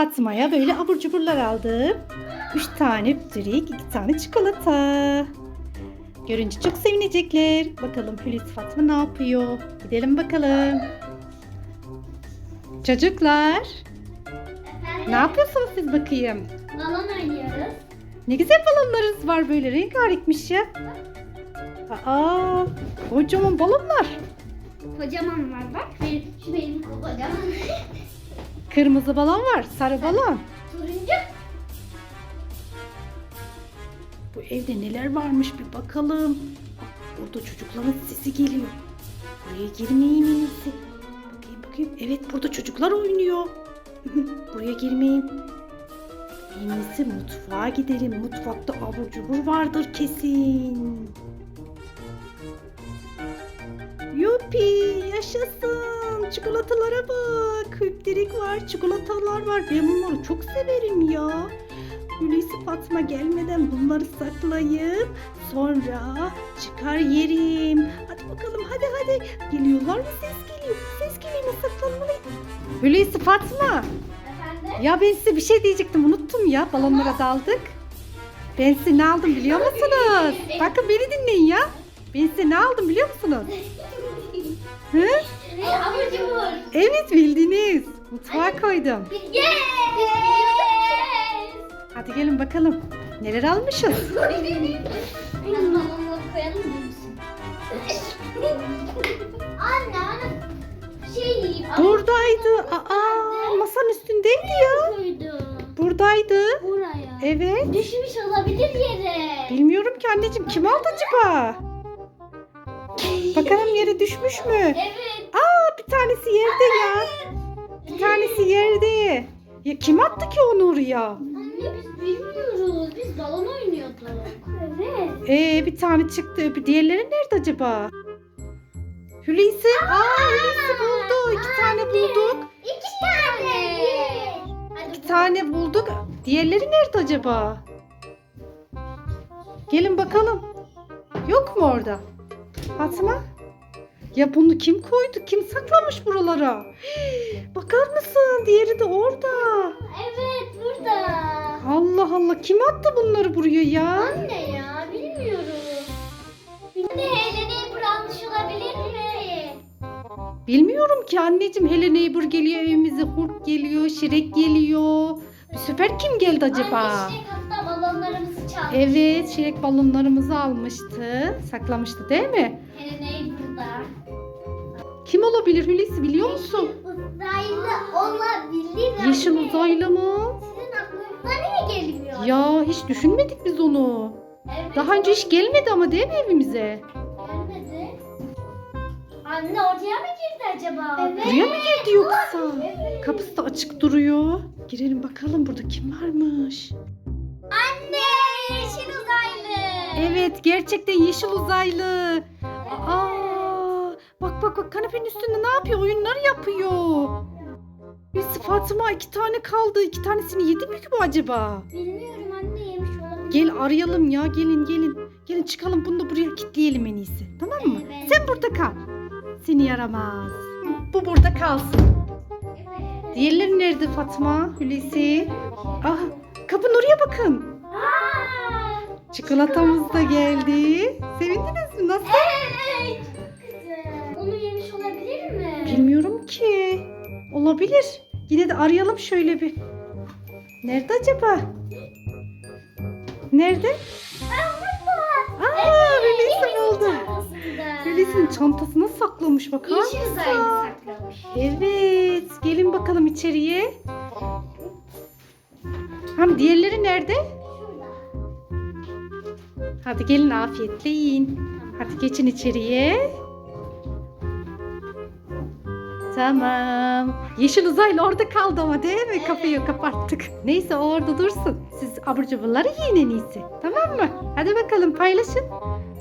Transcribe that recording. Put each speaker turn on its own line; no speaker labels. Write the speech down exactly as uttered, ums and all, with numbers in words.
Fatma'ya böyle abur cuburlar aldım. Üç tane pütürük, iki tane çikolata. Görünce çok sevinecekler. Bakalım Hulusi Fatma ne yapıyor? Gidelim bakalım. Çocuklar,
Efendim?
ne yapıyorsunuz siz bakayım?
Balon oynuyoruz.
Ne güzel balonlarınız var böyle, rengarenkmiş ya. Aa, kocaman balonlar.
Kocaman var bak. Benim, şu benim kocaman.
Kırmızı balon var, sarı balon.
Turuncu.
Bu evde neler varmış bir bakalım. Bak, burada çocukların sesi geliyor. Buraya girmeyin en iyisi. Bakayım bakayım. Evet, burada çocuklar oynuyor. Buraya girmeyin. En iyisi mutfağa gidelim. Mutfakta abur cubur vardır kesin. Yupi, yaşasın. Çikolatalara bak. Hüptirik var, çikolatalar var. Ben bunları çok severim ya. Hulusi Fatma gelmeden bunları saklayıp sonra çıkar yerim. Hadi bakalım, hadi hadi. Geliyorlar mı? Ses geliyor. Ses geliyor mu? Saklanmalıyım. Hulusi Fatma.
Efendim?
Ya ben size bir şey diyecektim. Unuttum ya. Balonlara daldık. Ben size ne aldım biliyor musunuz? Bakın beni dinleyin ya. Ben size ne aldım biliyor musunuz? Hı?
Ve abur cubur.
Evet, bildiniz. Mutfağa koydum.
Yes!
Hadi gelin bakalım. Neler almışız?
Biraz balonları koyalım mı musun? Anne anne. Şey yiyeyim.
Buradaydı. Aa, masanın üstündeydi ya.
Koydu.
Buradaydı.
Buraya.
Evet.
Düşmüş olabilir yere.
Bilmiyorum ki anneciğim, kim aldı acaba? Bakalım yere düşmüş mü?
Evet.
Aa, bir tanesi yerde ya. Bir tanesi yerde. Ya kim attı ki onu oraya?
Anne biz bilmiyoruz. Biz balon oynuyorduk. Evet.
Ee, bir tane çıktı. Bir diğerleri nerede acaba? Hulusi. Aa, Hulusi buldu. İki tane bulduk.
İki tane. Hadi
İki tane bulduk. Diğerleri nerede acaba? Gelin bakalım. Yok mu orada? Fatma? Ya bunu kim koydu? Kim saklamış buralara? Hii, bakar mısın? Diğeri de orada.
Evet burada.
Allah Allah. Kim attı bunları buraya ya?
Anne ya bilmiyoruz. Anne Helen'i bırakmış olabilir mi?
Bilmiyorum ki anneciğim. Hello Neighbor geliyor evimize. Hulk geliyor. Şirek geliyor. Bu sefer kim geldi acaba?
Anne Şirek hatta balonlarımızı çalmış.
Evet, Şirek balonlarımızı almıştı. Saklamıştı değil mi?
Helen burada.
Kim olabilir Hulusi, biliyor musun?
Uzaylı olabilir.
Yeşil
anne.
uzaylı mı?
Sizin aklınıza niye gelmiyor?
Ya hiç düşünmedik biz onu.
Evet.
Daha önce hiç gelmedi ama değil mi evimize?
Gelmedi. Anne ortaya mı girdi acaba? Evet.
Buraya mı girdi yoksa?
Evet.
Kapısı da açık duruyor. Girelim bakalım, burada kim varmış?
Anne yeşil uzaylı.
Evet, gerçekten yeşil uzaylı. Aa, bak bak bak, kanepenin üstünde ne yapıyor? Oyunlar yapıyor. Hulusi Fatma, iki tane kaldı. İki tanesini yedi mi ki bu acaba?
Bilmiyorum anne yemiş olabilir.
Gel arayalım ya, gelin gelin. Gelin çıkalım, bunu da buraya kilitleyelim en iyisi. Tamam mı?
Evet.
Sen burada kal. Seni yaramaz. Hı, bu burada kalsın.
Evet.
Diğerleri nerede Fatma, Hulusi? Ah, kapının oraya bakın.
Aa,
Çikolatamız da geldi. Sevindiniz mi? Nasıl?
evet. Güzel. Onu yemiş olabilir mi?
Bilmiyorum ki. Olabilir. Yine de arayalım şöyle bir. Nerede acaba? Nerede? Aa, Hulusi buldu. Hulusi'nin çantasına saklamış, bakar
Yeşil
mısın?
uzaylı saklamış.
Evet. Gelin bakalım içeriye. Hem diğerleri nerede?
Şurada.
Hadi gelin afiyetle yiyin. Hadi geçin içeriye. Tamam. Yeşil uzaylı orada kaldı ama değil mi?
Evet.
Kapıyı kapattık. Neyse, o orada dursun. Siz abur cuburları yiyin en iyisi. Tamam mı? Hadi bakalım paylaşın.